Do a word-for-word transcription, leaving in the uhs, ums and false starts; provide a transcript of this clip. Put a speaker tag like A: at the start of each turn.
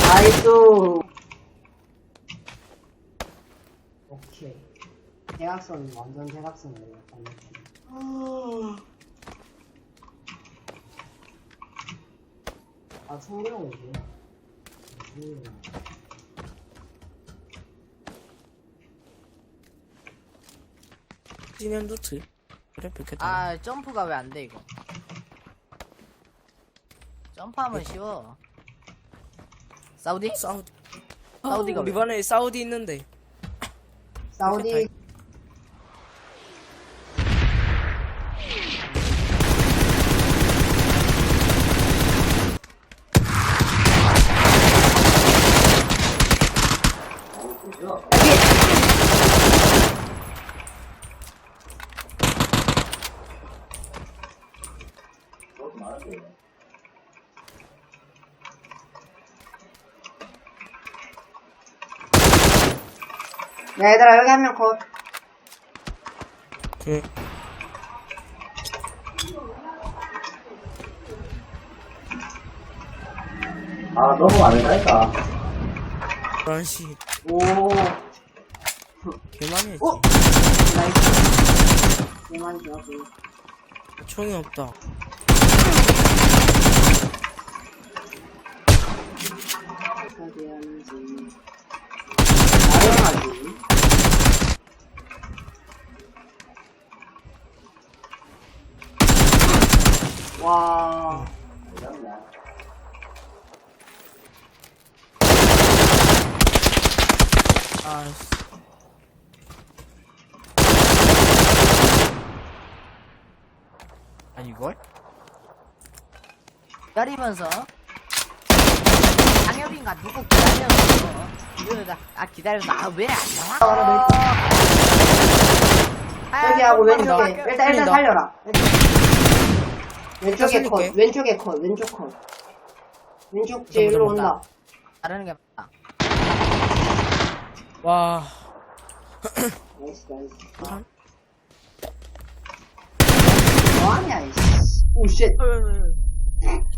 A: 나이스. 오케이. 대각선, 완전 대각선이에요. 아, 총기롱이지. 총기롱.
B: 진행 루트. 그래, 그렇게
C: 아, 점프가 왜 안 돼, 이거? 점프하면 쉬워. 사우디?
B: 사우디.
C: 사우디가
B: 어,
C: 왜?
B: 이번에 사우디 있는데.
A: 사우디. 야, 얘들아, 여기 한 명 컷.
B: 그,
D: 아, 너무 안 된다니까.
B: 브란시.
A: 오.
B: 개망했지.
A: 오! 나이스. 개만 좋았고.
B: 총이 없다.
A: 어디 하는지. 나영하지. 와.
B: 아이씨.
C: 아, 이걸? 기다리면서. 장혁인가 누구 기다려서. 이러다, 아, 기다려서, 아, 왜 안 나와? 아,
A: 저기 하고 왼쪽에.
C: 아,
A: 일단, 일단
B: 틀린다.
A: 살려라. 왼쪽에 컷.
B: 살릴게.
A: 왼쪽에 컷. 왼쪽 컷. 왼쪽 제일로
C: 보자, 보자.
A: 온다.
C: 다르는 게 맞다.
B: 와.
A: 나이스, 나이스.
B: 참.
A: 뭐하냐, 이씨. 오, 쉣.